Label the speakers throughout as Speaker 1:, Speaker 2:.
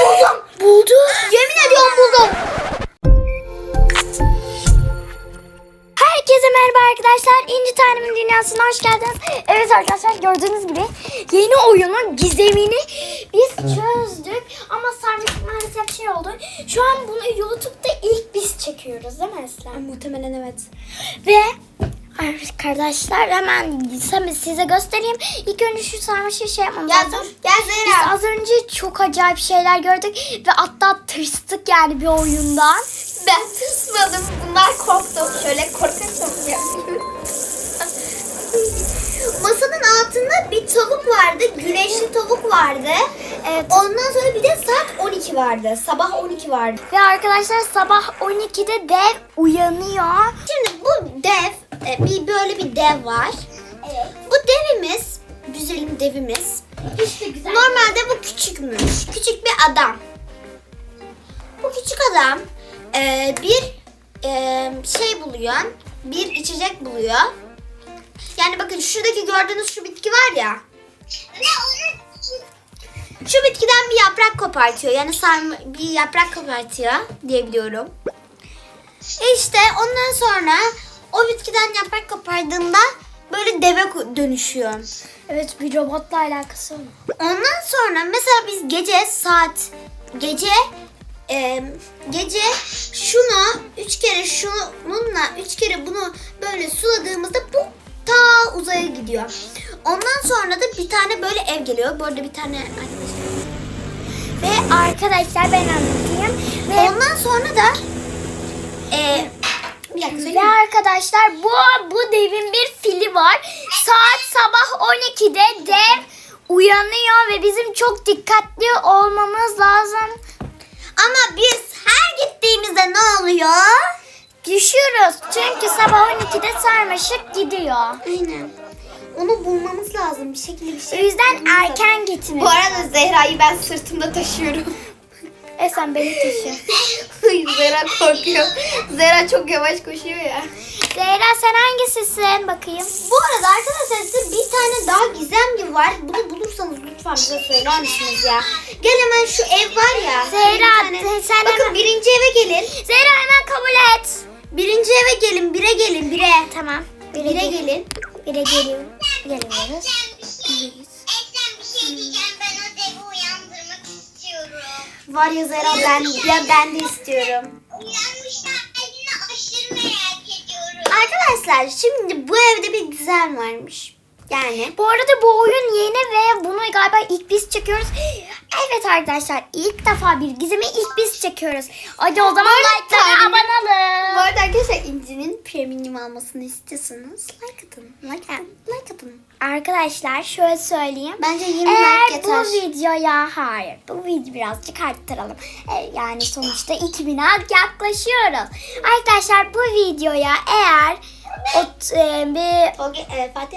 Speaker 1: Buldum.
Speaker 2: Buldu.
Speaker 1: Yemin ediyorum buldum.
Speaker 2: Herkese merhaba arkadaşlar. İnci Tanem'in dünyasına hoş geldiniz. Evet arkadaşlar, gördüğünüz gibi yeni oyunun gizemini biz çözdük. Ama sadece maalesef şey oldu. Şu an bunu YouTube'da ilk biz çekiyoruz değil mi Eslem?
Speaker 1: Muhtemelen evet.
Speaker 2: Ve arkadaşlar hemen size göstereyim. İlk önce şu sarmaşığı şey yapmamız lazım.
Speaker 1: Dur. Gel
Speaker 2: Biz
Speaker 1: Zehra.
Speaker 2: az önce çok acayip şeyler gördük ve hatta tırstı yani bir oyundan.
Speaker 1: Ben tırsmadım. Bunlar korktu. Şöyle korkarsam yapayım. Masanın altında bir tavuk vardı. Güneşli tavuk vardı.
Speaker 2: Evet.
Speaker 1: Ondan sonra bir de saat 12 vardı. Sabah 12 vardı.
Speaker 2: Ve arkadaşlar sabah 12'de dev uyanıyor.
Speaker 1: Şimdi bu dev, böyle bir dev var.
Speaker 2: Evet.
Speaker 1: Bu devimiz, güzelim devimiz.
Speaker 2: İşte güzel.
Speaker 1: Normalde bu küçükmüş. Küçük bir adam. Bu küçük adam bir şey buluyor. Bir içecek buluyor. Yani bakın şuradaki gördüğünüz şu bitki var ya. Şu bitkiden bir yaprak kopartıyor. Yani bir yaprak kopartıyor diyebiliyorum. İşte ondan sonra o bitkiden yaprak kopardığında böyle deve dönüşüyor.
Speaker 2: Evet, bir robotla alakası var.
Speaker 1: Ondan sonra mesela biz gece şunu 3 kere şununla 3 kere bunu böyle suladığımızda bu ta uzaya gidiyor. Ondan sonra da bir tane böyle ev geliyor. Bu arada bir tane arkadaşlar.
Speaker 2: Ve arkadaşlar ben anlatayım. Ve
Speaker 1: Ondan sonra da bir dakika
Speaker 2: Ve
Speaker 1: söyleyeyim.
Speaker 2: arkadaşlar bu devin bir fili var. Saat sabah 12'de dev uyanıyor ve bizim çok dikkatli olmamız lazım.
Speaker 1: Ama biz her gittiğimizde ne oluyor?
Speaker 2: Düşüyoruz. Çünkü sabah 12'de sarmaşık gidiyor.
Speaker 1: Aynen. Onu bulmamız lazım bir şekilde bir
Speaker 2: O
Speaker 1: şey.
Speaker 2: yüzden
Speaker 1: bulmamız lazım.
Speaker 2: erken gitmeliyiz.
Speaker 1: Bu arada Zehra'yı ben sırtımda taşıyorum.
Speaker 2: Sen beni taşı.
Speaker 1: Zehra korkuyor. Zehra çok yavaş koşuyor ya.
Speaker 2: Zehra sen hangisisin bakayım?
Speaker 1: Bu arada arkadaşlar size bir tane daha gizem gibi var. Bunu bulursanız lütfen bize söyler misiniz ya? Gel hemen şu ev var ya.
Speaker 2: Zehra,
Speaker 1: Bir tane-
Speaker 2: sen
Speaker 1: Bakın
Speaker 2: hemen-
Speaker 1: birinci eve gelin.
Speaker 2: Zehra hemen kabul et.
Speaker 1: Birinci eve gelin. Bire gelin. Bire.
Speaker 2: Tamam.
Speaker 1: Bire gelin.
Speaker 2: Bire geliyorum. Geliyoruz.
Speaker 3: Eslem bir şey diyeceğim. Ben o devi uyandırmak istiyorum.
Speaker 1: Var ya Zehra ben de istiyorum.
Speaker 3: Uyanmışlar halini aşırı merak ediyorum.
Speaker 1: Arkadaşlar şimdi bu evde bir gizem varmış. Yani
Speaker 2: Bu arada bu oyun yeni ve bunu galiba ilk biz çekiyoruz. Evet arkadaşlar, ilk defa bir gizemi ilk biz çekiyoruz. Hadi o zaman like'lara
Speaker 1: Tanem-
Speaker 2: abone olun.
Speaker 1: bu arada arkadaşlar İnci'nin premium almasını istiyorsanız like atın. Like atın.
Speaker 2: Arkadaşlar şöyle söyleyeyim.
Speaker 1: Bence 20
Speaker 2: Eğer
Speaker 1: like yeter.
Speaker 2: bu videoya bu video birazcık arttıralım. Yani sonuçta 2000'e yaklaşıyoruz. Arkadaşlar bu videoya eğer bir
Speaker 1: Fatih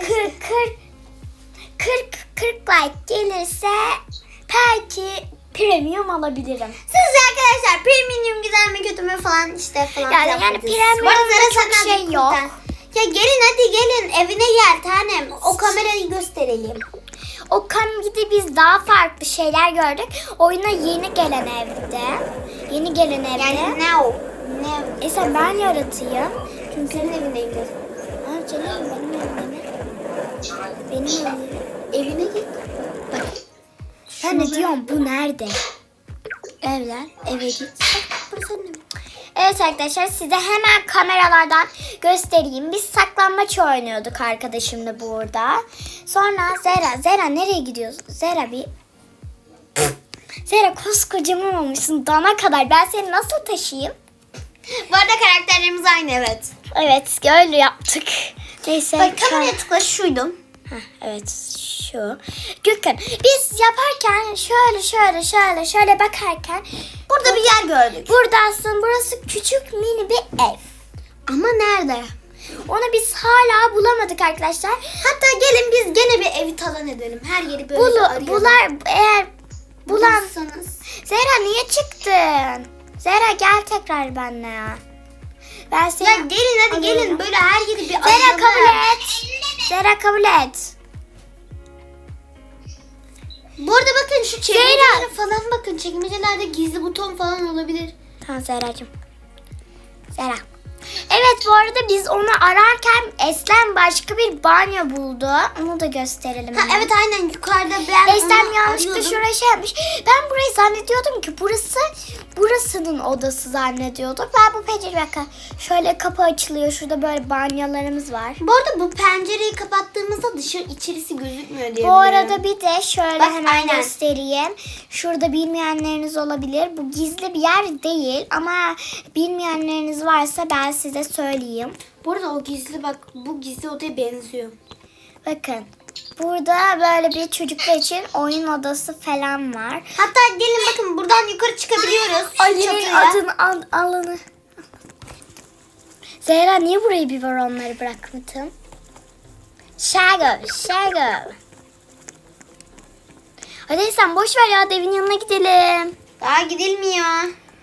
Speaker 2: 40 like gelirse belki premium alabilirim.
Speaker 1: Sizce arkadaşlar premium güzel mi kötü mü falan işte falan.
Speaker 2: Yani
Speaker 1: yapmadınız.
Speaker 2: premium'da
Speaker 1: Bu arada Zara
Speaker 2: çok
Speaker 1: senden
Speaker 2: şey
Speaker 1: bir
Speaker 2: yok.
Speaker 1: kurtar. Ya gelin hadi gelin evine gel tanem. O kamerayı gösterelim.
Speaker 2: O kamide biz daha farklı şeyler gördük. Oyuna yeni gelen evde. Yeni gelen evde.
Speaker 1: Yani ne?
Speaker 2: Sen ben yaratayım.
Speaker 1: Çünkü senin evindeyim dedim.
Speaker 2: Ha canım, benim evimde mi? Benim evimde.
Speaker 1: Evine git. Bak.
Speaker 2: Ben de diyorum bu nerede?
Speaker 1: Evler eve git. Bak burası senin evin.
Speaker 2: Evet arkadaşlar, size hemen kameralardan göstereyim. Biz saklambaç oynuyorduk arkadaşımla burada. Sonra Zehra nereye gidiyorsun? Zehra koskocaman olmuşsun dana kadar. Ben seni nasıl taşıyayım?
Speaker 1: Bu arada karakterlerimiz aynı evet.
Speaker 2: Evet, öyle yaptık. Neyse.
Speaker 1: Bak kameraya tıkla şuydum.
Speaker 2: Evet şu. Gökhan, biz yaparken şöyle bakarken
Speaker 1: Burada bir yer gördük.
Speaker 2: burada aslında burası küçük mini bir ev.
Speaker 1: Ama nerede?
Speaker 2: Onu biz hala bulamadık arkadaşlar.
Speaker 1: Hatta gelin biz gene bir evi talan edelim. Her yeri böyle arayalım.
Speaker 2: Eğer bulan...
Speaker 1: Bulursanız.
Speaker 2: Zehra niye çıktın? Zehra gel tekrar benimle ya. Ben seni...
Speaker 1: Ya gelin hadi
Speaker 2: alıyorum.
Speaker 1: gelin böyle her yeri bir
Speaker 2: Zehra
Speaker 1: arayalım.
Speaker 2: kabul et. Zehra kabul et.
Speaker 1: Bu arada bakın şu çekmecelere falan bakın. Çekmecelerde gizli buton falan olabilir.
Speaker 2: Tamam Zehra'cığım. Zehra. Evet bu arada biz onu ararken Eslem başka bir banyo buldu. Onu da gösterelim.
Speaker 1: Ha,
Speaker 2: hemen.
Speaker 1: evet aynen yukarıda ben
Speaker 2: Eslem
Speaker 1: onu
Speaker 2: yanlışlıkla
Speaker 1: arıyordum.
Speaker 2: şuraya şey yapmış. Ben burayı zannediyordum ki burasının odası zannediyordum. Ben bu pencere bakın. Şöyle kapı açılıyor. Şurada böyle banyolarımız var.
Speaker 1: Bu arada bu pencereyi kapattığımızda içerisi gözükmüyor diye
Speaker 2: Bu arada bir de şöyle
Speaker 1: Bak,
Speaker 2: hemen
Speaker 1: aynen.
Speaker 2: göstereyim. Şurada bilmeyenleriniz olabilir. Bu gizli bir yer değil ama bilmeyenleriniz varsa ben size söyleyeyim.
Speaker 1: Bu arada o gizli bak bu gizli odaya benziyor.
Speaker 2: Bakın. Burada böyle bir çocuklar için oyun odası falan var.
Speaker 1: Hatta gelin bakın buradan yukarı çıkabiliyoruz. Şu
Speaker 2: Ali'nin
Speaker 1: çatıya.
Speaker 2: alanı. Zehra niye burayı biberonları bırakmadın? Şago. Hadi sen boş ver ya devin yanına gidelim.
Speaker 1: Daha gidilmiyor.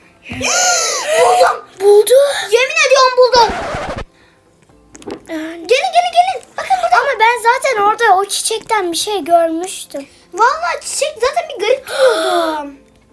Speaker 2: Buldu.
Speaker 1: Yemin ediyorum buldum. Gelin. Bakın burada.
Speaker 2: Ama ben zaten orada o çiçekten bir şey görmüştüm.
Speaker 1: Vallahi çiçek zaten bir garip duruyordu.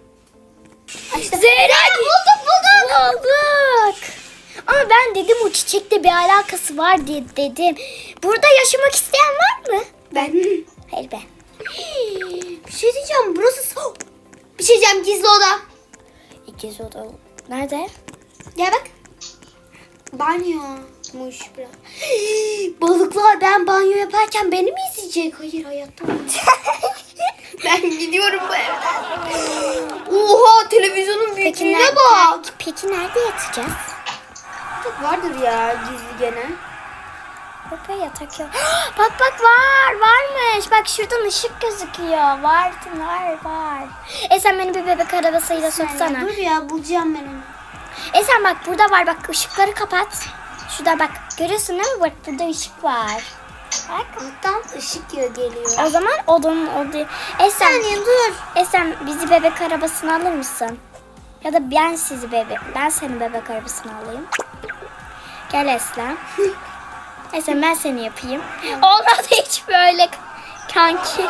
Speaker 2: Zehra
Speaker 1: bulduk.
Speaker 2: Bulduk. Ama ben dedim o çiçekle bir alakası var diye dedim. Burada yaşamak isteyen var mı?
Speaker 1: Ben.
Speaker 2: Hayır ben.
Speaker 1: Bir şey diyeceğim. Burası bir şey diyeceğim gizli oda.
Speaker 2: İkiz oda. Nerede?
Speaker 1: Gel bak. Banyomuş biraz. Balıklar ben banyo yaparken beni mi izleyecek? Hayır hayatta olmaz. Ben gidiyorum bu evden. Oha televizyonun büyüklüğüne bak.
Speaker 2: Peki nerede yatacağız?
Speaker 1: Vardır ya gizli gene.
Speaker 2: Bak yatak yok. Bak varmış. Bak şuradan ışık gözüküyor. Var. Sen beni bir bebek arabasıyla soksana.
Speaker 1: Dur ya bulacağım ben onu.
Speaker 2: Sen bak burada var. Bak ışıkları kapat. Şurada bak. Görüyorsun değil mi? Bak burada ışık var. Bak.
Speaker 1: Alttan ışık geliyor.
Speaker 2: O zaman odayı.
Speaker 1: Saniye dur.
Speaker 2: Sen bizi bebek arabasına alır mısın? Ya da ben seni bebek arabasına alayım. Gel Eslem. Eslem ben seni yapayım. Olmadı hiç böyle kanki.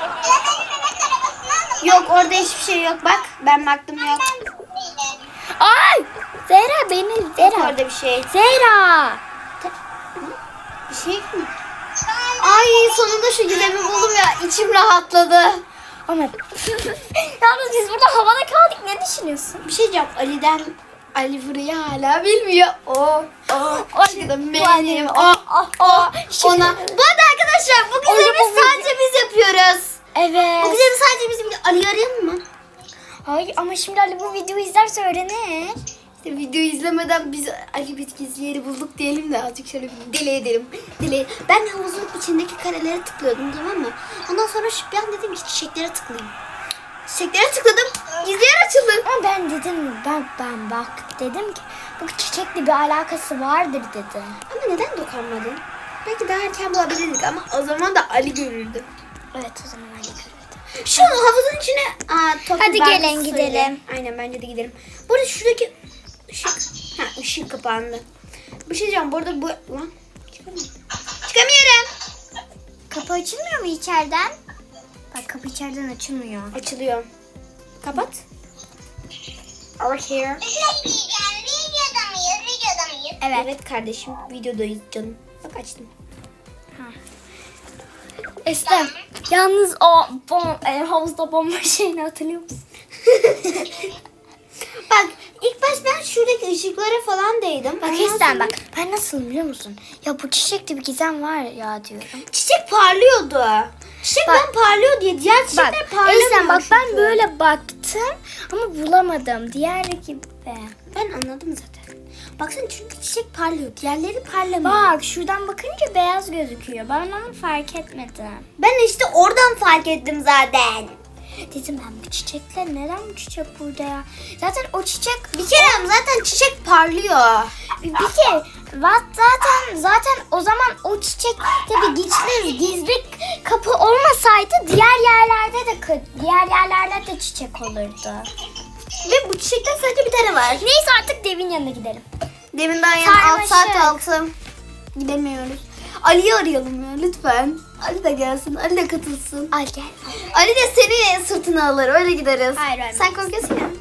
Speaker 1: Yok orada hiçbir şey yok bak. Ben baktım yok.
Speaker 2: Ay! Zehra
Speaker 1: Yok
Speaker 2: Zehra.
Speaker 1: orada bir şey.
Speaker 2: Zehra.
Speaker 1: Bir şey mi? Ay sonunda şu gizemi buldum ya. İçim rahatladı.
Speaker 2: Ama yalnız biz burada havada kaldık. Ne düşünüyorsun?
Speaker 1: Bir şey diyeceğim. Ali burayı hala bilmiyor. O aşkım benim. Ona. Bu arada arkadaşlar bu gizemi sadece biz yapıyoruz. Bu
Speaker 2: Evet.
Speaker 1: gizemi sadece bizim. Ali'yi arayalım mı?
Speaker 2: Hayır ama şimdi Ali bu videoyu izlerse öğrenir.
Speaker 1: İşte videoyu izlemeden biz Ali biz gizli yeri bulduk diyelim de azıcık şöyle bir deli edelim. Ben havuzun içindeki karelere tıklıyordum tamam mı? Ondan sonra bir an dedim ki çiçeklere tıklayayım. Çiçeklere tıkladım. Gizli yer açıldı.
Speaker 2: Ama ben dedim ben bak dedim ki bu çiçekle bir alakası vardır dedim.
Speaker 1: Ama neden dokunmadın? Belki daha erken bulabilirdik ama o zaman da Ali görürdü.
Speaker 2: Evet o zaman Ali görürdü.
Speaker 1: Şu havuzun içine
Speaker 2: Hadi gelin gidelim.
Speaker 1: Aynen bence de gidelim. Bu arada şuradaki ışık kapandı. Bir şey diyeceğim bu arada bu lan çıkamıyorum.
Speaker 2: Kapı açılmıyor mu içeriden? Bak kapı içeriden açılmıyor.
Speaker 1: Açılıyor. Kapat. Over here.
Speaker 3: Bir şey diyeceğim. Videoda mıyız?
Speaker 1: Evet kardeşim videodayız canım. Bak açtım.
Speaker 2: Eslem yalnız o havuzda bomba şeyini hatırlıyor musun?
Speaker 1: Bak ilk baş ben şuradaki ışıklara falan değdim.
Speaker 2: Bak
Speaker 1: Ondan
Speaker 2: Eslem
Speaker 1: sonra
Speaker 2: bak ben nasıl biliyor musun? Ya bu çiçekte bir gizem var ya diyorum.
Speaker 1: Çiçek parlıyordu. Çiçek
Speaker 2: Bak.
Speaker 1: ben parlıyor diye. Diğer
Speaker 2: Bak
Speaker 1: çiçekler parlamıyor.
Speaker 2: Eslem bak ben
Speaker 1: çünkü.
Speaker 2: böyle baktım ama bulamadım. Diğer gibi.
Speaker 1: Ben anladım zaten. Baksana çünkü çiçek parlıyor. Diğerleri parlamıyor.
Speaker 2: Bak şuradan bakınca beyaz gözüküyor. Ben onu fark etmedim.
Speaker 1: Ben işte oradan fark ettim zaten.
Speaker 2: Dedim ben bu çiçekler neden bu çiçek burada ya? Zaten o çiçek
Speaker 1: Bir kere zaten çiçek parlıyor.
Speaker 2: bir kere zaten o zaman o çiçek tabii gizli kapı olmasaydı diğer yerlerde de çiçek olurdu.
Speaker 1: Ve bu çiçekten sadece bir tane var.
Speaker 2: Neyse artık devin yanına gidelim.
Speaker 1: Demin daha yani 6 saat
Speaker 2: Sarmaşık.
Speaker 1: altı. Gidemiyoruz. Ali'yi arayalım ya lütfen. Ali de gelsin. Ali de katılsın.
Speaker 2: Al gel.
Speaker 1: Ali de seni sırtına alır. Öyle gideriz.
Speaker 2: Hayır, hayır.
Speaker 1: Sen korkuyorsun ya.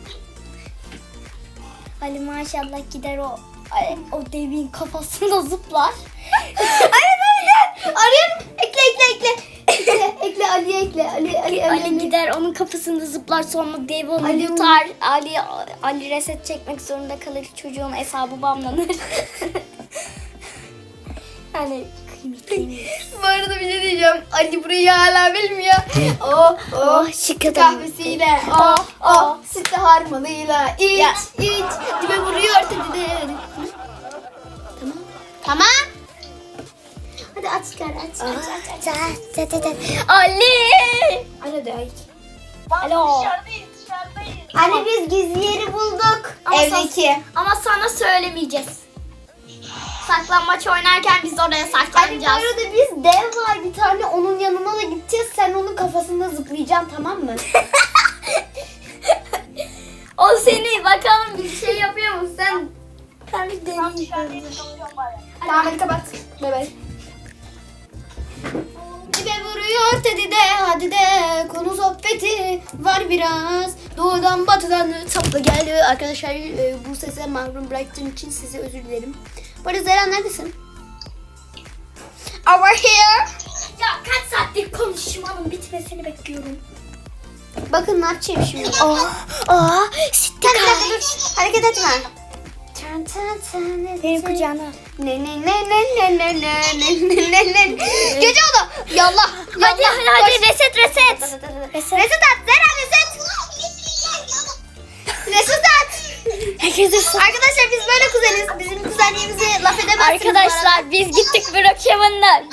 Speaker 2: Ali maşallah gider o devin kafasında zıplar.
Speaker 1: Aynen. Arıyorum. Ekle Ali'ye ekle.
Speaker 2: Ali gider onun kafasında zıplar, sonra dev onu
Speaker 1: Ali-
Speaker 2: yutar. Ali reset çekmek zorunda kalır. Çocuğun hesabı banlanır. Hani kıymetli.
Speaker 1: Bu arada bir şey diyeceğim. Ali burayı hala bilmiyor.
Speaker 2: Şık adam.
Speaker 1: Kahvesiyle. Sütlü harmanıyla. İç. Dibe vuruyor dedi. Tamam. Hadi aç çıkar aç.
Speaker 2: Ali!
Speaker 1: Ali de aç.
Speaker 2: Alo.
Speaker 1: Ali biz gizli yeri bulduk. Evdeki.
Speaker 2: Ama sana söylemeyeceğiz. Saklambaç oynarken biz oraya
Speaker 1: Ali bu
Speaker 2: saklanacağız.
Speaker 1: arada biz dev var bir tane, onun yanına da gideceğiz. Sen onun kafasında zıplayacaksın, tamam mı?
Speaker 2: O seni bakalım bir şey yapıyor mu sen? Ben bir deneyeyim.
Speaker 1: Tamam hadi kapat. Bay bay. Dibe vuruyor dedi de hadi de konu sohbeti var biraz. Doğudan batıdan sapla geldi. Arkadaşlar bu sese mahrum bıraktığım için size özür dilerim. Bu arada Zeren neredesin? Over here.
Speaker 2: Ya kaç saattir konuşmanın bitmesini bekliyorum.
Speaker 1: Bakın ne yapacağım şimdi.
Speaker 2: Sitte
Speaker 1: Bir dakika dur. Hareket etme.
Speaker 2: Benim kucağına.
Speaker 1: Ne. Gece oldu. Yallah.
Speaker 2: Hadi reset.
Speaker 1: Reset at. Zeren reset. Reset at.
Speaker 2: Herkese
Speaker 1: Arkadaşlar biz böyle kuzeniz. Bizim kuzenliğimizi laf edemezsiniz.
Speaker 2: Arkadaşlar biz gittik Brookhaven'da.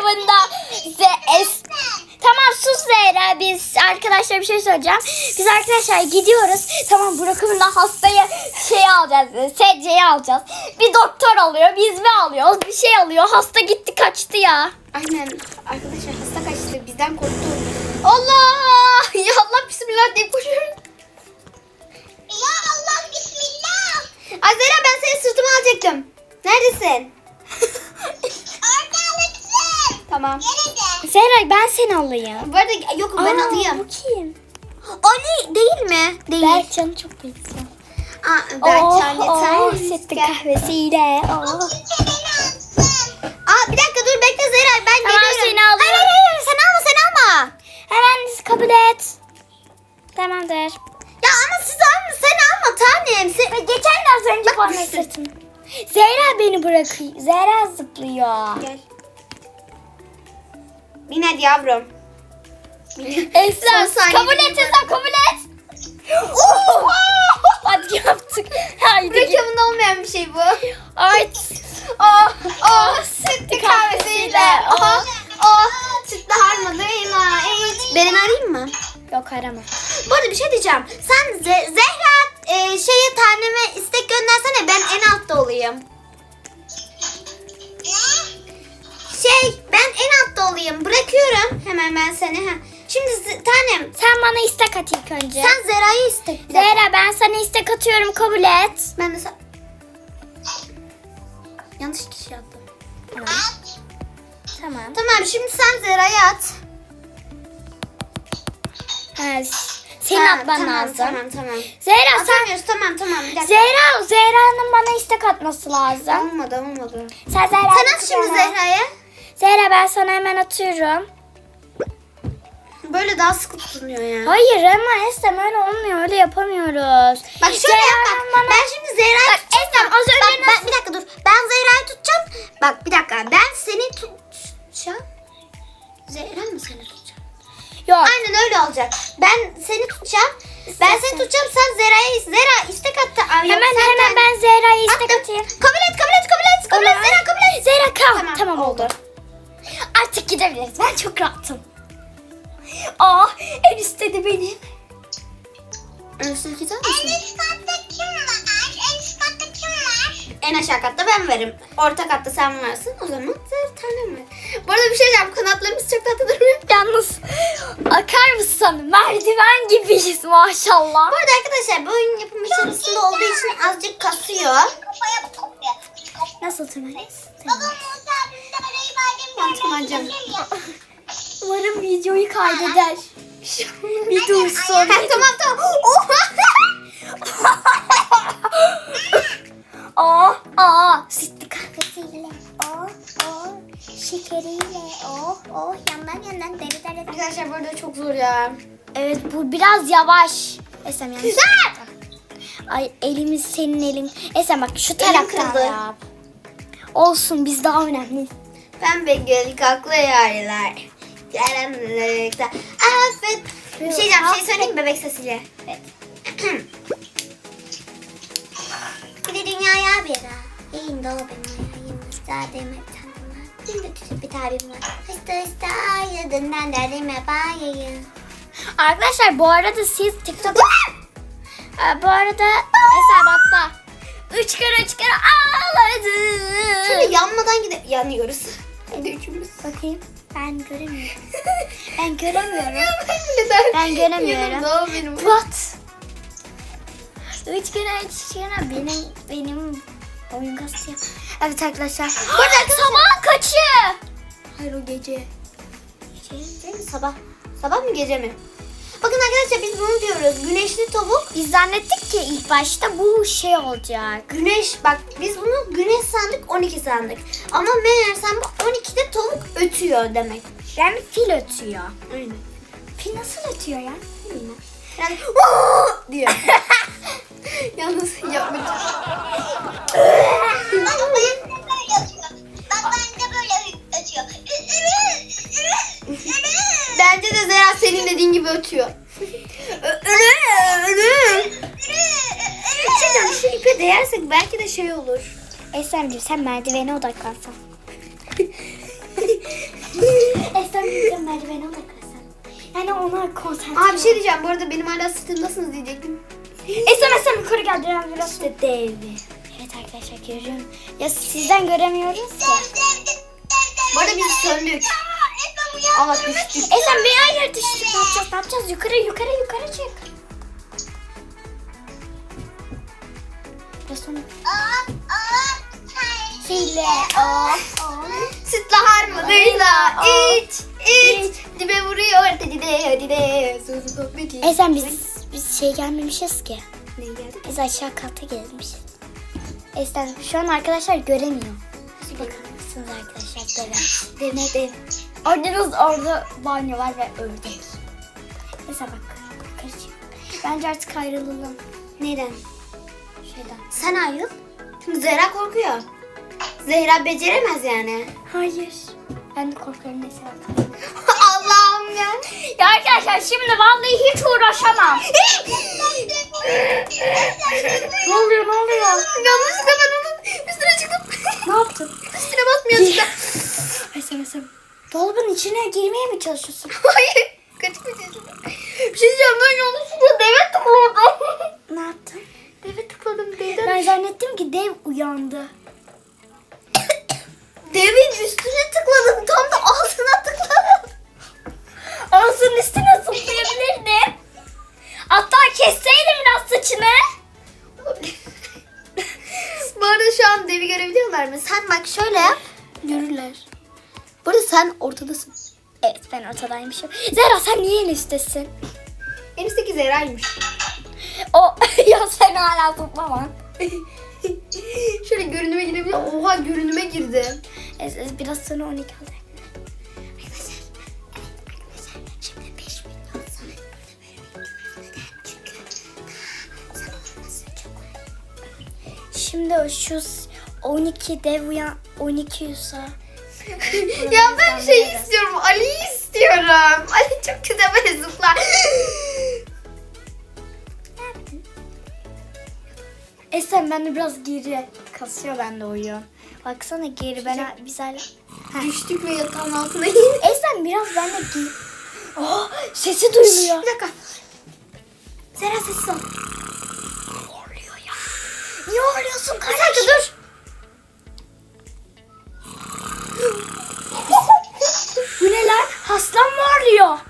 Speaker 2: Tamam sus Zehra, biz arkadaşlar bir şey söyleyeceğim. Biz arkadaşlar gidiyoruz. Tamam Brookhaven'da hastayı alacağız. Sedyeyi alacağız. Bir doktor alıyor, biz mi alıyoruz? Bir şey alıyor. Hasta gitti kaçtı ya.
Speaker 1: Aynen. Arkadaşlar hasta kaçtı. Bizden korktu. Allah! Ya Allah bismillah deyip koşuyorum.
Speaker 3: Ya Allah bismillah.
Speaker 1: Azera ben seni sırtıma alacaktım. Neredesin?
Speaker 3: Orada alırsın.
Speaker 1: Tamam.
Speaker 3: Nerede?
Speaker 2: Zehra ben seni alayım.
Speaker 1: Bu arada yokum ben alayım.
Speaker 2: Bu kim?
Speaker 1: Ali değil mi? Değil.
Speaker 2: Berkcan'ı çok benziyor.
Speaker 1: Berkcan yeter.
Speaker 2: Sütlü kahvesiyle.
Speaker 3: Kimse beni alsın.
Speaker 1: Bir dakika dur bekle Zera ben
Speaker 2: Tamam,
Speaker 1: geliyorum.
Speaker 2: seni alıyorum.
Speaker 1: Hayır sen alma.
Speaker 2: Hemen kabul et. Tamamdır.
Speaker 1: Ya ama siz alma sen alma tanem.
Speaker 2: Geçen de az önce bana sırtını. Zehra beni bırakıyor. Zehra zıplıyor.
Speaker 1: Gel. Bin hadi yavrum.
Speaker 2: Esra
Speaker 1: Son saniye
Speaker 2: kabul
Speaker 1: benim
Speaker 2: et Esra, kabul et. Hadi yaptık. Haydi git.
Speaker 1: Reklamında olmayan bir şey bu.
Speaker 2: Ay.
Speaker 1: Sütlü kahvesiyle. Sütlü harmanıyla. Beni arayayım mı?
Speaker 2: Yok arama.
Speaker 1: Bu arada bir şey diyeceğim. Sen Zehra şeye taneme istek göndersene, ben en altta olayım. Ben en altta olayım. Bırakıyorum hemen ben seni. Şimdi tanem
Speaker 2: Sen bana istek at ilk önce.
Speaker 1: sen Zera'yı istek. Bir dakika.
Speaker 2: Zehra ben sana istek atıyorum, kabul et.
Speaker 1: Ben de yanlış kişi attım.
Speaker 2: Tamam.
Speaker 1: Tamam şimdi sen Zera'yı at.
Speaker 2: Senin atman lazım.
Speaker 1: Tamam.
Speaker 2: Zehra sen...
Speaker 1: Atamıyoruz tamam bir dakika.
Speaker 2: Zehra'nın bana istek atması lazım.
Speaker 1: Olmadı.
Speaker 2: Sen Zehra.
Speaker 1: Sen at şimdi Zehra'ya.
Speaker 2: Zehra ben sana hemen atıyorum.
Speaker 1: Böyle daha sıkı tutunuyor ya.
Speaker 2: Hayır ama Estem öyle olmuyor, öyle yapamıyoruz.
Speaker 1: Bak şöyle yap bak. Ben şimdi Zehra'yı tutacağım.
Speaker 2: Estem az önce
Speaker 1: Bak, bir dakika dur. Ben Zehra'yı tutacağım. Bak bir dakika. Ben seni tutacağım. Zehra mı seni tutacağım?
Speaker 2: Yok.
Speaker 1: Aynen öyle olacak. Ben seni tutacağım. Ben seni tutacağım. Sen Zehra istek attı.
Speaker 2: Hemen ben Zehra'ya istek
Speaker 1: Attım.
Speaker 2: atayım.
Speaker 1: Kabul et. Zehra kabul et.
Speaker 2: Zehra kal. Tamam
Speaker 1: oldu.
Speaker 2: oldu. Artık gidebiliriz. Ben çok rahatım. En üstte de benim.
Speaker 1: En üstteki sen
Speaker 3: En
Speaker 1: misin?
Speaker 3: üst katta kim var? En üst katta kim var?
Speaker 1: En aşağı katta ben varım. Orta katta sen varsın. O zaman Zehra tanem var. Bu arada bir şey diyeceğim. Kanatlarımız çok tatlı durmuyor.
Speaker 2: Yalnız akar mısın? Merdiven gibiyiz maşallah.
Speaker 1: Bu arada arkadaşlar bu oyun yapım içerisinde olduğu için azıcık kasıyor.
Speaker 3: Kafaya kopuyor.
Speaker 2: Nasıl tırmanırız?
Speaker 3: Babam Musa abimde arayı badem
Speaker 1: Tamam canım.
Speaker 2: Umarım videoyu kaydeder. Bir dursun.
Speaker 1: Tamam. Oha.
Speaker 2: Sütlü kahvesiyle. Şekeriyle. Yandan deri.
Speaker 1: Arkadaşlar burada çok zor ya.
Speaker 2: Evet bu biraz yavaş. Esem yanlış. Ay elimiz senin elin. Esem bak şu taraftan
Speaker 1: kırıldı.
Speaker 2: yap. Olsun biz daha önemliyiz.
Speaker 1: Pembe göl kaklı yerler. Karanlıkta affet. Bir şey diyeceğim. Bir şey söyleyeyim mi bebek sesiyle?
Speaker 2: Evet.
Speaker 1: Bir de dünyaya bir ara. Yayın da o benim ayağımızda demek tanrıma. Şimdi küçük bir tabim var. Hısta yadından derdime bayayım.
Speaker 2: Arkadaşlar bu arada siz TikTok'ta... bu arada hesabatta 3 kere ağladım.
Speaker 1: Şimdi yanmadan yanıyoruz. Hadi üçümüz.
Speaker 2: Bakayım. Ben göremiyorum. Ben göremiyorum.
Speaker 1: Neden?
Speaker 2: Ben göremiyorum.
Speaker 1: Yanımda o benim.
Speaker 2: What? 3 kere benim oyun kasıyor. Evet arkadaşlar. Burada sabah kaçı?
Speaker 1: Hayır o gece. Gece değil mi? Sabah. Sabah mı gece mi? Bakın arkadaşlar biz bunu diyoruz. Güneşli tavuk.
Speaker 2: Biz zannettik ki ilk başta bu şey olacak.
Speaker 1: Güneş bak biz bunu güneş sandık 12 sandık. Ama meğersem bu 12'de tavuk ötüyor demek.
Speaker 2: Yani fil ötüyor.
Speaker 1: Aynen.
Speaker 2: Fil nasıl ötüyor ya?
Speaker 1: Bilmem. Yani "Vaa!" diyor. Yalnız yapmak.
Speaker 3: Bak ben de böyle ötüyor. Bak ben de böyle ötüyor.
Speaker 1: Bence de Zehra senin dediğin gibi ötüyor. Şu ipe değersek belki de şey olur.
Speaker 2: Esemciğim sen merdivene odaklansan. Esemciğim sen merdivene odaklansan. Yani ona konsantre
Speaker 1: Aa bir şey diyeceğim. Bu arada benim hala sırtımdasınız diyecektim.
Speaker 2: Esem yukarı geldi. Biraz işte dev. Evet arkadaşlar görüyorum. Ya sizden göremiyoruz ya.
Speaker 1: Bu arada biz söndük. Aa düştük.
Speaker 2: Esem bir hayır düştük. Ne yapacağız? Yukarı çık. Biraz sonra. File.
Speaker 1: Sütle harmanıyla iç. Dibe vuruyor dide. Sözü sohbeti.
Speaker 2: Esem biz şey gelmemişiz ki.
Speaker 1: Ne geldi?
Speaker 2: Biz aşağı kata gelmişiz. Esem şu an arkadaşlar göremiyor. Bakar mısınız arkadaşlar? Dev. Orada banyo var ve ördek. Mesela bak. Yukarı çık. Bence artık ayrılalım.
Speaker 1: Neden?
Speaker 2: Şeyden.
Speaker 1: Sen ayrıl. Çünkü Zehra korkuyor. Zehra beceremez yani.
Speaker 2: Hayır. Ben de korkuyorum mesela.
Speaker 1: Allah'ım ya.
Speaker 2: Ya arkadaşlar şimdi vallahi hiç uğraşamam. Ne oluyor?
Speaker 1: Yanlışlıkla ben onun üstüne çıktım.
Speaker 2: Ne yaptın?
Speaker 1: Üstüne basmıyor.
Speaker 2: Esem. Dolabın içine girmeye mi çalışıyorsun?
Speaker 1: Hayır. Kaçmayacağım. Bir şey diyeceğim ben yanlışlıkla deve tıkladım.
Speaker 2: Ne yaptın?
Speaker 1: Deve tıkladım
Speaker 2: Ben zannettim ki dev uyandı.
Speaker 1: Devin üstüne tıkladım. Tam da ağzına tıkladım.
Speaker 2: Ağzının üstüne zıplayabilirdim. Hatta kesseydim biraz saçını.
Speaker 1: Bu arada şu an devi görebiliyorlar mı? Sen bak şöyle yap. Görürler. Bu arada sen ortadasın.
Speaker 2: Evet ben ortadaymışım. Zehra sen niye en üsttesin?
Speaker 1: En üstteki Zehra'ymış.
Speaker 2: O ya sen hala toplaman.
Speaker 1: Şöyle görünüme girebiliyor. Oha görünüme girdi.
Speaker 2: Biraz sonra 12 olacak.
Speaker 1: Şimdi 5 milyon sana neden? Çünkü sana olması çok
Speaker 2: Şimdi o şu 12 dev uyan 12 yusa.
Speaker 1: Ya ben şey istiyorum. Ali'yi istiyorum. Ali çok güzel böyle zıplar.
Speaker 2: Esen ben de biraz geri kasıyor bende oyun. Baksana geri biz hala.
Speaker 1: Düştük ve yatağın altına indik.
Speaker 2: Esen biraz ben de geri. Oh, sesi duyuluyor.
Speaker 1: Bir dakika. Zehra sessiz ol.
Speaker 2: Horluyor ya. Niye horluyorsun
Speaker 1: Bir
Speaker 2: kardeşim?
Speaker 1: dakika dur.
Speaker 2: Bu ne lan? Aslan mı horluyor?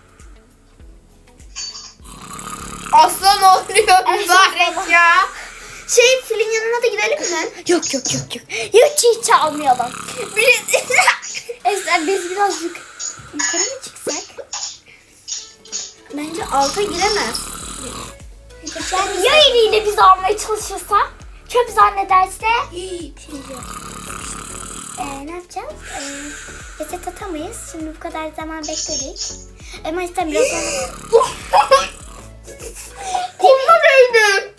Speaker 1: Aslan oluyor mübarek ya. Şey filin yanına da gidelim mi?
Speaker 2: Yok. Hiç almayalım. Esen biz birazcık
Speaker 1: Yukarı mı çıksak? Bence alta giremez.
Speaker 2: Yani ya eliyle bizi almaya çalışırsa? Çöp zannederse? Ne yapacağız? Reset atamayız. Şimdi bu kadar zaman bekledik. Ama işte biraz sonra...
Speaker 1: Koluna değdi.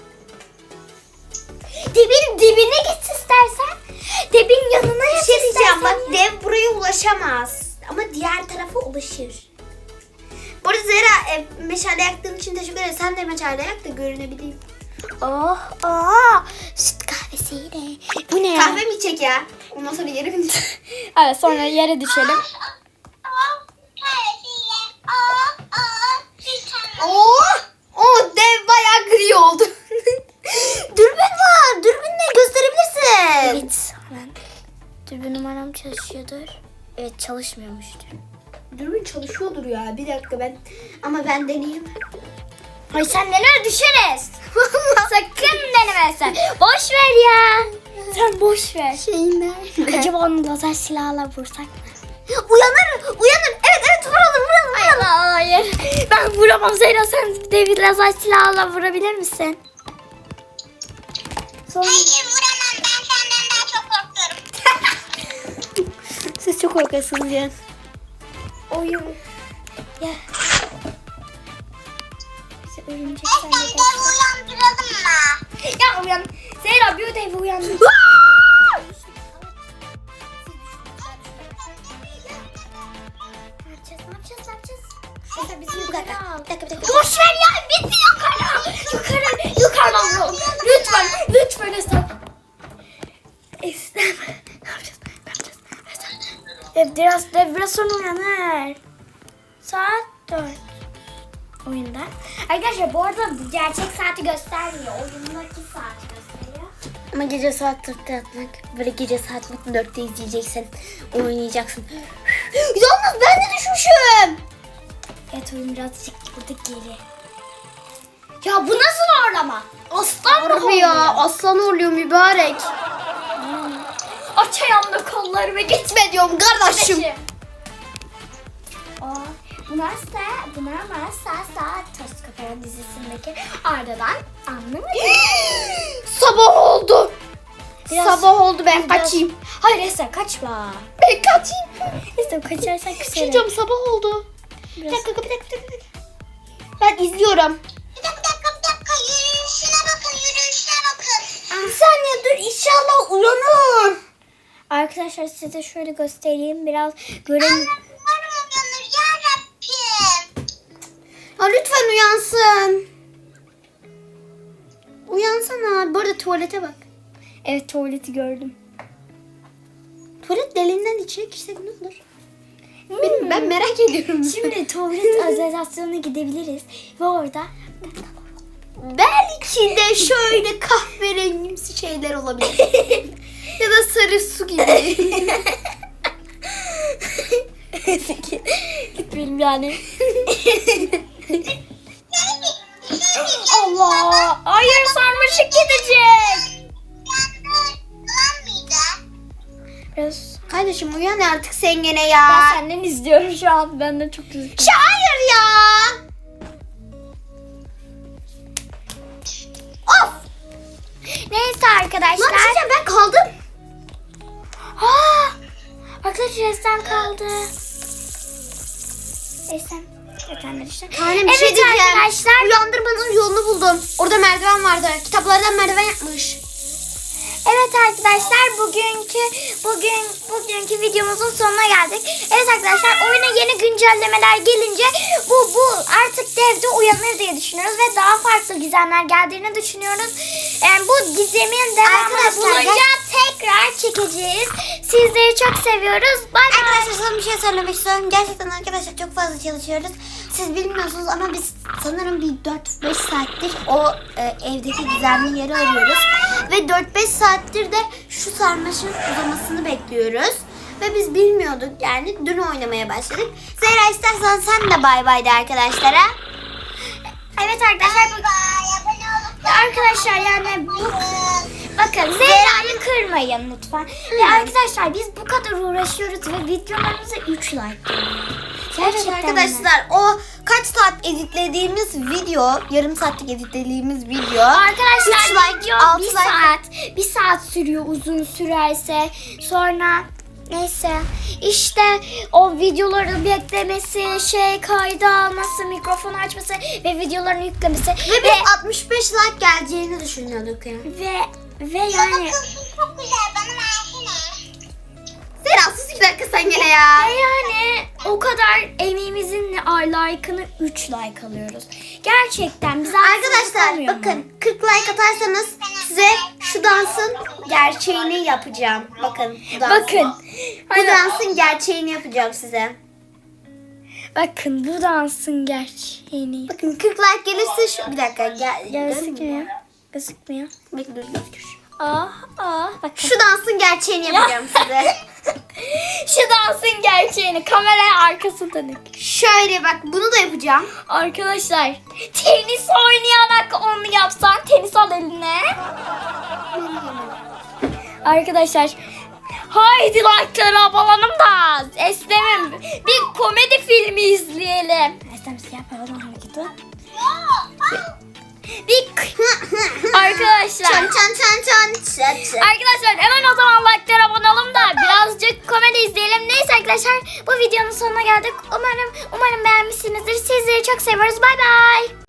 Speaker 2: Dibin dibine git istersen. Dibin yanına yat
Speaker 1: Bir şey diyeceğim
Speaker 2: istersen
Speaker 1: bak,
Speaker 2: ya.
Speaker 1: dev buraya ulaşamaz. Ama diğer tarafa ulaşır. Bu arada Zehra meşale yaktığın için teşekkür ederim. Sen de meşale yak da görünebileyim.
Speaker 2: Oh, süt kahvesiyle. Bu ne ya?
Speaker 1: Kahve mi içecek ya? Ondan sonra yere mi?
Speaker 2: Evet, sonra yere düşelim.
Speaker 1: O dev bayağı gri oldu. Dürbün var. Dürbünle gösterebilirsin.
Speaker 2: Evet, hemen. Dürbün numaram çalışıyordur. Evet, çalışmıyormuştur.
Speaker 1: Dürbün çalışıyordur ya. Bir dakika ben deneyeyim.
Speaker 2: Ay sen neler düşeriz. Sakın deneme sen. Boş ver ya. Sen boş ver.
Speaker 1: Şeyinden.
Speaker 2: Acaba onu lazer silahla vursak mı?
Speaker 1: Uyanır. Evet vuralım.
Speaker 2: Hayır. Ben vuramam Zeyra. Sen David lazer silahla vurabilir misin? Sonra...
Speaker 3: Hayır vuramam, ben senden daha çok korkuyorum.
Speaker 1: Siz çok korkuyorsunuz ya.
Speaker 2: Oyun. Ya. Bize örümcek
Speaker 3: Sen devi uyandıralım mı?
Speaker 2: Ya uyan. Zeyra bir ödevi uyandı. Ne yapacağız? Mesela bizim
Speaker 1: Bir dakika.
Speaker 2: boş ver ya. Bizi yukarıdan vuralım. Lütfen Esra. Ne yapacağız? Biraz sonra uyanır. Saat 4. Oyunda. Arkadaşlar bu arada gerçek saati göstermiyor. Oyundaki saati gösteriyor.
Speaker 1: Ama gece saat 4'te yatmak. Böyle gece saat 4'te izleyeceksin. Oynayacaksın. Yalnız ben de düşmüşüm.
Speaker 2: Evet, oyun birazcık burada geri. Ya bu nasıl horlama? Aslan mı
Speaker 1: Harbi ya,
Speaker 2: horluyor?
Speaker 1: aslan oluyor mübarek.
Speaker 2: Aç ayağımda kollarımı
Speaker 1: Gitme diyorum kardeşim.
Speaker 2: Bunlar Toz Kapayan dizisindeki Arda'dan anlamadım.
Speaker 1: Sabah oldu.
Speaker 2: Biraz-
Speaker 1: Sabah oldu, ben
Speaker 2: Biraz-
Speaker 1: kaçayım.
Speaker 2: Hayır Esra kaçma.
Speaker 1: Ben kaçayım.
Speaker 2: Esra kaçarsan küserim.
Speaker 1: Şuracığım sabah oldu. Bir
Speaker 2: Biraz-
Speaker 1: dakika. Ben izliyorum.
Speaker 3: Bir dakika, yürüyüşüne bakın.
Speaker 1: Bir saniye dur, inşallah uyanır.
Speaker 2: Arkadaşlar size şöyle göstereyim biraz görelim.
Speaker 3: Umarım uyanır yarabbim.
Speaker 1: Ya lütfen uyansın. Uyansana. Bu arada tuvalete bak.
Speaker 2: Evet, tuvaleti gördüm.
Speaker 1: Tuvalet deliğinden içine girsek ne olur? Ben merak ediyorum.
Speaker 2: Şimdi tuvalet organizasyonuna gidebiliriz ve orada
Speaker 1: Belki de şöyle kahverengimsi şeyler olabilir. Ya da sarı su gibi.
Speaker 2: gitmeyelim yani. Allah! Hayır, sarmaşık gidecek.
Speaker 3: Uyan mıydı?
Speaker 2: Biraz
Speaker 1: Kardeşim uyan artık sen gene
Speaker 2: ben
Speaker 1: ya.
Speaker 2: senden izliyorum şu an. Ben de çok üzüldüm.
Speaker 1: Hayır ya. Of.
Speaker 2: Neyse arkadaşlar.
Speaker 1: Lan bir şey diyeceğim, ben kaldım.
Speaker 2: Arkadaşlar Esen kaldı. Esen. Efendim işte.
Speaker 1: Tanem bir
Speaker 2: Evet
Speaker 1: şey diyeceğim.
Speaker 2: arkadaşlar.
Speaker 1: Uyandırmanın yolunu buldum. Orada merdiven vardı. Kitaplardan merdiven yapmış.
Speaker 2: Evet arkadaşlar bugünkü videomuzun sonuna geldik. Evet arkadaşlar oyuna yeni güncellemeler gelince bu artık devde uyanır diye düşünüyoruz ve daha farklı gizemler geldiğini düşünüyoruz. Bu gizemin devamını
Speaker 1: Arkadaşlar,
Speaker 2: bulunca tekrar çekeceğiz. Sizleri çok seviyoruz. Bay bay.
Speaker 1: Arkadaşlar sana bir şey söylemek istiyorum. Gerçekten arkadaşlar çok fazla çalışıyoruz. Siz bilmiyorsunuz ama biz sanırım bir 4-5 saattir o evdeki gizemli yeri arıyoruz. Ve 4-5 saattir de şu sarmaşın uzamasını bekliyoruz. Ve biz bilmiyorduk yani. Dün oynamaya başladık. Zehra istersen sen de bay bay de arkadaşlara.
Speaker 2: Evet arkadaşlar
Speaker 3: Abone olup
Speaker 2: arkadaşlar yani bakın Zehra'yı kırmayın lütfen. Ve arkadaşlar biz bu kadar uğraşıyoruz ve videolarımıza 3 like geliyor. Gerçekten
Speaker 1: Evet arkadaşlar o kaç saat editlediğimiz video, yarım saatlik editlediğimiz video.
Speaker 2: Arkadaşlar
Speaker 1: 3 like,
Speaker 2: video
Speaker 1: 6
Speaker 2: bir
Speaker 1: like.
Speaker 2: saat. Bir saat sürüyor uzun sürerse. Sonra neyse işte o videoları beklemesi, kayda alması, mikrofonu açması ve videolarını yüklemesi
Speaker 1: Ve biz 65 like geleceğini düşünüyorduk ya.
Speaker 2: ve yani
Speaker 3: Bakılsız çok güzel bana versene.
Speaker 1: Zera sus 2 dakika sen gene ya.
Speaker 2: ve yani o kadar emeğimizin like'ını 3 like alıyoruz. Gerçekten bize haksızlık
Speaker 1: Arkadaşlar
Speaker 2: olmuyor mu?
Speaker 1: bakın 40 like atarsanız size şu dansın gerçeğini yapacağım. Bakın bu dansın.
Speaker 2: Bakın.
Speaker 1: Bu dansın gerçeğini yapacağım size.
Speaker 2: Bakın bu dansın gerçeğini.
Speaker 1: Bakın 40 like gelirse şu bir dakika
Speaker 2: Gözükmüyor. Gözükmüyor.
Speaker 1: Bekle dur gözükür.
Speaker 2: Bakın.
Speaker 1: Şu dansın gerçeğini yapacağım size.
Speaker 2: Şu dansın gerçeğini. Kameraya arkası dönük.
Speaker 1: Şöyle bak bunu da yapacağım.
Speaker 2: Arkadaşlar tenis oynayarak onu yapsan, tenis al eline. Arkadaşlar haydi like'ları alalım da Eslem'im bir komedi filmi izleyelim. Eslem siyah paradan hareketi. Arkadaşlar.
Speaker 1: Çan çan çan çan çan çan.
Speaker 2: Arkadaşlar hemen o zaman like'lara abone olalım da birazcık komedi izleyelim. Neyse arkadaşlar bu videonun sonuna geldik. Umarım beğenmişsinizdir. Sizleri çok seviyoruz. Bay bay.